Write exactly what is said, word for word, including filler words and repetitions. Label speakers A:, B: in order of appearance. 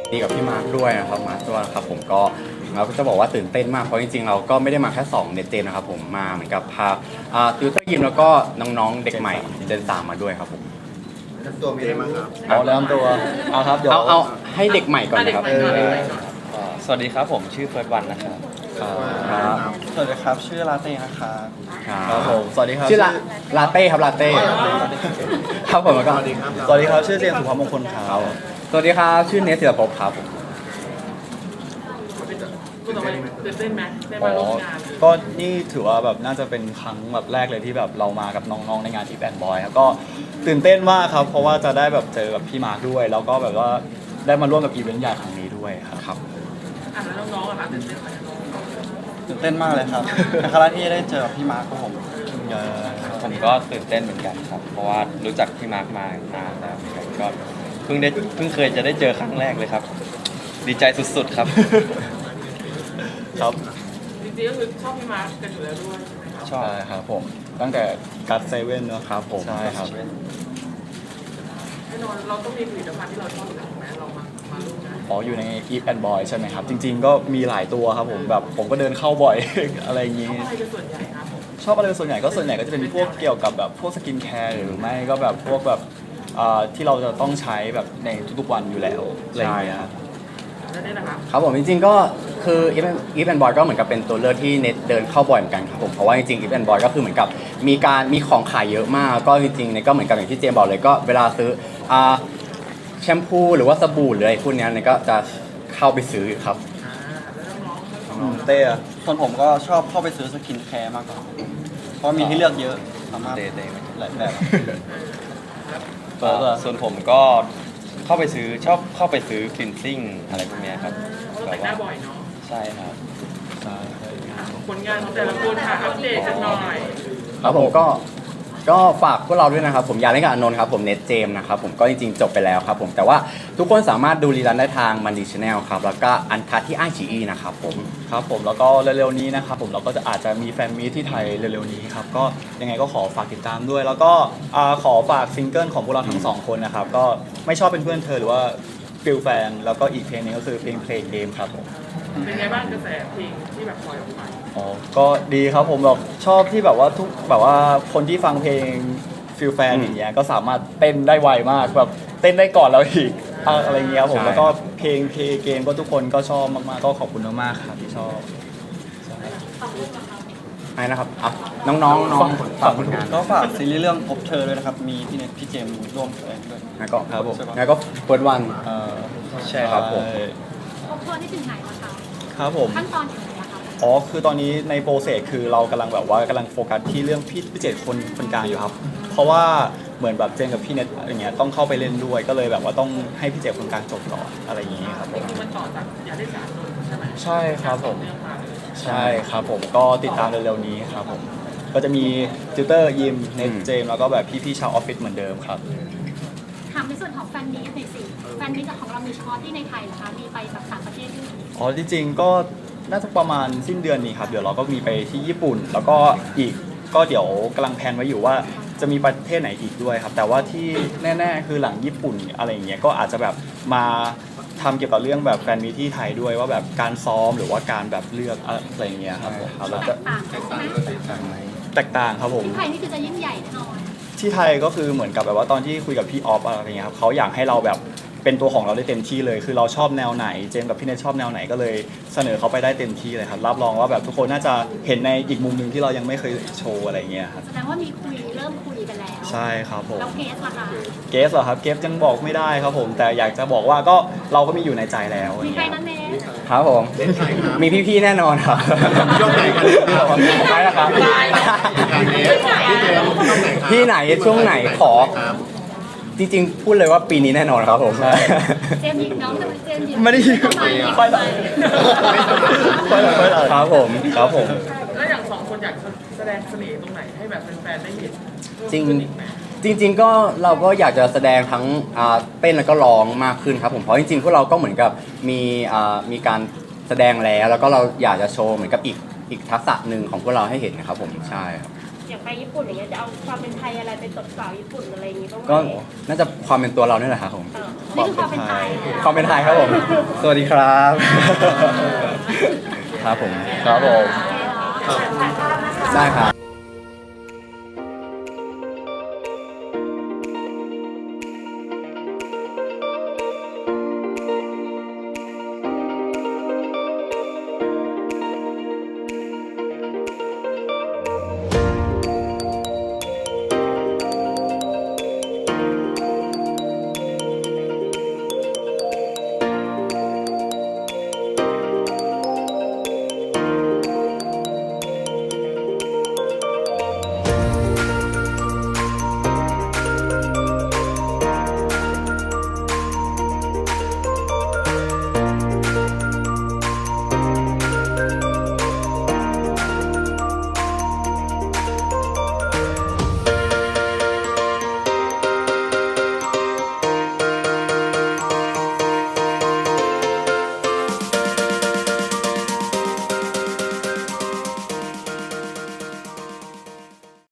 A: ดีกับพี่มาร์คด้วยนะครับมาร์คด้วยครับผมก็เราก็จะบอกว่าตื่นเต้นมากเพราะจริงๆเราก็ไม่ได้มาแค่สองเน็ตเจนนะครับผมมาเหมือนกับพาอ่าติวเตอร์ยิมแล้วก็น้องๆเด็กใหม่เจนสามมาด้วยครับผม
B: ตัวมีอะไรบ้างครับ
C: เอาแล้วตัวเอาครับเดี๋ยว
A: เอาเอาให้เด็กใหม่ก่อนนะครับเออ
D: สวัสดีครับผมชื่อเฟิร์สวันนะครับ
A: ครับ
C: สวัสดีครับชื่อลาเต้นะครับ
A: ค
C: ค
A: รั
C: รั
A: บบ
C: ผมสวัสดีครับ
A: ชื่อลาลาเต้ครับลาเต้ครับผมแล้วก็
B: สวัสดีครับ
C: สวัสดีครับชื่อเจมส์สุภาพมงคลครับ
A: สวัสดีครับชื่อเนสศิลปภพครับผม
E: คุณต่อไปตื่นเต้นไหมได้
C: อ๋
E: มาร่ว
C: อ
E: มงาน
C: ก็นี่ถือว่าแบบน่าจะเป็นครั้งแบบแรกเลยที่แบบเรามากับน้องๆในงานอีแอนบอยครับก็ตื่นเต้นมากครับเพราะว่าจะได้แบบเจอกับพี่มาร์คด้วย แล้วก็แบบว่าได้มาร่วมกับอีเวนต์ใหญ่ครั้งนี้ด้วยครับครับ
E: อ่ะแล้วน้องๆอะคะตื่นเต้นไหมน้อง
C: ตื่นเต้นมากเลยครับเป็นครั้งแรกที่ได้เจอพี่มาร์คครับผม
D: ผมก็ตื่นเต้นเหมือนกันครับ เพราะว่ารู้จักพี่มาร์คมานานแล้วเหมือนกันก็เพิ่งได้เพิ่งเคยจะได้เจอครั้งแรกเลยครับ ดีใจสุดๆครับ
C: ครับ
E: จริงๆก็คือชอบพี่มาร์คกันอยู่แล้วด้วยใช่ไหมครับ
C: ใช่ครับผมตั้งแต่กัดเซเว่นเนอะ
A: ครับผม
C: ใช่ครับ
E: แน่นอนเราต้องมีผลิตภัณฑ์ที่เราชอบอยู่แล้วถูกไหมเรามามาร่วมงาน
C: อ๋ออยู่ใน Eat and Boy ใช่ไหมครับ จริง ๆ ก็มีหลายตัวครับผมแบบผมก็เดินเข้าบ่อย อะไรอย่าง
E: ช
C: นี้
E: อบอะไรเป็นส่วนใหญ่ครับผม
C: ชอบอะไรเป็นส่วนใหญ่ก็ส่วนใหญ่ก็จะเป็นพวกเกี่ยวกับแบบพวกสกินแคร์หรือไม่ก็แบบพวกแบบอ่าที่เราจะต้องใช้แบบในทุกๆวันอยู่แล้วอะไรอย่างเงี้ยครับ
E: แล้วนี่นะครับ
A: ครับผมจริงๆก็คืออีฟอีฟแอนบอยก็เหมือนกับเป็นตัวเลือกที่เน็ตเดินเข้าบ่อยเหมือนกันครับผมเพราะว่าจริงๆอีฟแอนบอยก็คือเหมือนกับมีการมีของขายเยอะมากก็จริงๆเนี่ยก็เหมือนกับอย่างที่เจมบอกเลยก็เวลาซื้ออ่าแชมพูหรือว่าสบู่หรืออะไรพวกเนี้ยเนี่ยก็จะเข้าไปซื้อครับ
E: อ่าแล้วน้องๆ
C: อืมเต้อะคนผมก็ชอบเข้าไปซื้อสกินแคร์มากกว่าเพราะมีให้เลือกเยอะสามารถ
D: เต้เต้ไหม
C: หลายแบบ
D: เอ่อส่วนผมก็เข้าไปซื้อชอบเข้าไปซื้อคลีนซิ่งอะไรพวกเนี้ยครับ
E: เราแต่งหน้าบ่อยเนาะ
D: ใช่ครับ
E: ผลงานของแต่ละคนค่ะอัปเดตกันหน่อย
A: ครับผมก็ก็ฝากพวกเราด้วยนะครับผมอยากเล่นกับอานนท์ครับผมเน็ตเจมนะครับผมก็จริงๆจบไปแล้วครับผมแต่ว่าทุกคนสามารถดูรีลันได้ทางมันดีชแนลครับแล้วก็อันคัทที่ไอจีอีนะครับผม
C: ครับผมแล้วก็เร็วๆนี้นะครับผมเราก็จะอาจจะมีแฟนมีตที่ไทยเร็วๆนี้ครับก็ยังไงก็ขอฝากติดตามด้วย แล้วก็อ่าขอฝากซิงเกิลของพวกเราทั้งสองคนนะครับก็ไม่ชอบเป็นเพื่อนเธอหรือว่าฟิลแฟนแล้วก็อีกเพลงหนึงก็คือเพลงเพลงเกมครับผม
E: เป็นไงบ้างกระแสเพลงที่แบบปล่อยออกมา
C: อ๋อก็ดีครับผมแบบชอบที่แบบว่าทุกแบบว่าคนที่ฟังเพลงฟิลแฟน
A: อืม
C: อย่างเงี้ยก็สามารถเต้นได้ไวมากแบบเต้นได้ก่อนเราอีกอ่ะอะไรเงี้ยครับผม
A: ใช่
C: แล้วก็เพลงเพลงเกมก็ทุกคนก็ชอบมากๆก็ขอบคุณมากๆครับที่ชอบ
A: ใช่นะครับอ่ะน้องๆน้องฝากผลงาน
C: ก็ฝากซีรีส์เรื่องพบเธอด้วยนะครับ มีพี่เน็ตพี่เจมส์ร่วมแสดงด้วย
A: แล้วก็
C: ครับผม
A: แล้วก็เปิดวัน
C: เอ่อ
A: ใช่ครับผม
F: ครบถ้วนที่ถึงไหนแล้วคะ
C: ครับผม
F: ขั้นตอนถึงไหนแล้วคะ
C: อ๋อคือตอนนี้ในโปรเซสคือเรากำลังแบบว่ากำลังโฟกัสที่เรื่องพี่พี่เจตคนคนกลางอยู่ครับ เพราะว่าเหมือนแบบเจนกับพี่เน็ตอย่างเงี้ยต้องเข้าไปเล่นด้วยก็เลยแบบว่าต้องให้พี่เจตคนกลางจบก่อนอะไรอย่างงี้ครับผ
E: นี่
C: ม
E: คือมันต่อจากอยากได้สารนนท์ใช่ไหม
C: ใช่ครับผม
E: เรื่องมาเลย
C: ใช่ครับผมก็ติดตามเร็วๆนี้ครับผมก็จะมีติวเตอร์ยิมเน็ต
A: อืม
C: เจมส์แล้วก็แบบพี่ๆชาวออฟฟิศเหมือนเดิมครับ
F: ถามในส่วนของแฟนมีตหน่อยสิแฟนมีตของเรามีเฉพาะที่ในไทยเหรอคะ มีไปแบบต่างประเทศด้วยไหม
C: อ๋อที่จริงก็น่าจะประมาณสิ้นเดือนนี้ครับ เดี๋ยวเราก็มีไปที่ญี่ปุ่น แล้วก็อีกก็เดี๋ยวกำลังแพลนไว้อยู่ว่าจะมีประเทศไหนอีกด้วยครับ แต่ว่าที่แน่ๆคือหลังญี่ปุ่นอะไรอย่างเงี้ยก็อาจจะแบบมาทำเกี่ยวกับเรื่องแบบแฟนมีที่ไทยด้วยว่าแบบการซ้อมหรือว่าการแบบเลือกอะไรอย่างเงี้ยครับผม
A: ครับแล้ว
F: แต
A: จะ
F: กต่างกันใช่ไหม
C: แตกต่างครับผม
F: ที่ไทยนี่คือจะยิ่งใหญ่แน่นอน
C: ที่ไทยก็คือเหมือนกับแบบว่าตอนที่คุยกับพี่ออฟอะไรเงี้ยครับเขาอยากให้เราแบบเป็นตัวของเราได้เต็มที่เลย คือเราชอบแนวไหนเจมส์กับพี่เนทชอบแนวไหนก็เลยเสนอเขาไปได้เต็มที่เลยครับรับรองว่าแบบทุกคนน่าจะเห็นในอีกมุมหนึ่งที่เรายังไม่เคยโชว์อะไรเงี้ยครับ
F: แสดงว่ามีคุยเริ่มคุยกันแล้ว
C: ใช่ครับผม
F: แล้วเกสล่ะคะ
C: เกสเหรอครับเกสยังบอกไม่ได้ครับผม แต่อยากจะบอกว่าก็เราก็มีอยู่ในใจแล้ว
F: มีใครนั่นเอง
A: ครับผม
B: เล่นไทยครับ
A: มีพี่ๆแน่นอนครับ
B: ช่วงไหนกันที่เรา
A: ใช่นะครับ
B: การเล่นพี่เจมส์ช่วงไหนครับ
A: ที่ไหนช่วงไหนขอ
B: ครับ
A: จริงๆพูดเลยว่าปีนี้แน่นอนครับผม
F: เจมส์หยิบน้องเจมส์หยิบ
C: ไม่ได้ยิน
F: ทำไม
C: ไปเลยไปเลยไปเลย
A: ครับผมครับผม
E: แล้วอย่างสองคนอยากแสดงเสน่ห์ตรงไหนให้แบบแฟนๆได้เห็น
A: จริง
E: เพิ่มขึ้นอีกไหม
A: จริง ๆ ก็เราก็อยากจะแสดงทั้งอ่าเต้นแล้วก็ร้องมากขึ้นครับผมเพราะจริงๆพวกเราก็เหมือนกับมีอ่ามีการแสดงแล้วแล้วก็เราอยากจะโชว์เหมือนกับอีกอีกทักษะหนึ่งของพวกเราให้เห็นนะครับผมใช่ครับ
G: อย่างไปญี่ปุ่นอย่างเงี้ยจะเอาความเป็นไทยอะไรไปตบสาวญี่ปุ่นอะไรอย่างงี้บ้างไหม
A: ก็น่าจะความเป็นตัวเราเนี่ยแหละครับผม
G: เออ
F: นี่คือความเป็นไทย
A: ความเป็นไทยครับผม สวัสดีครับ ครับผม
C: ครับผม
A: ได้ครับ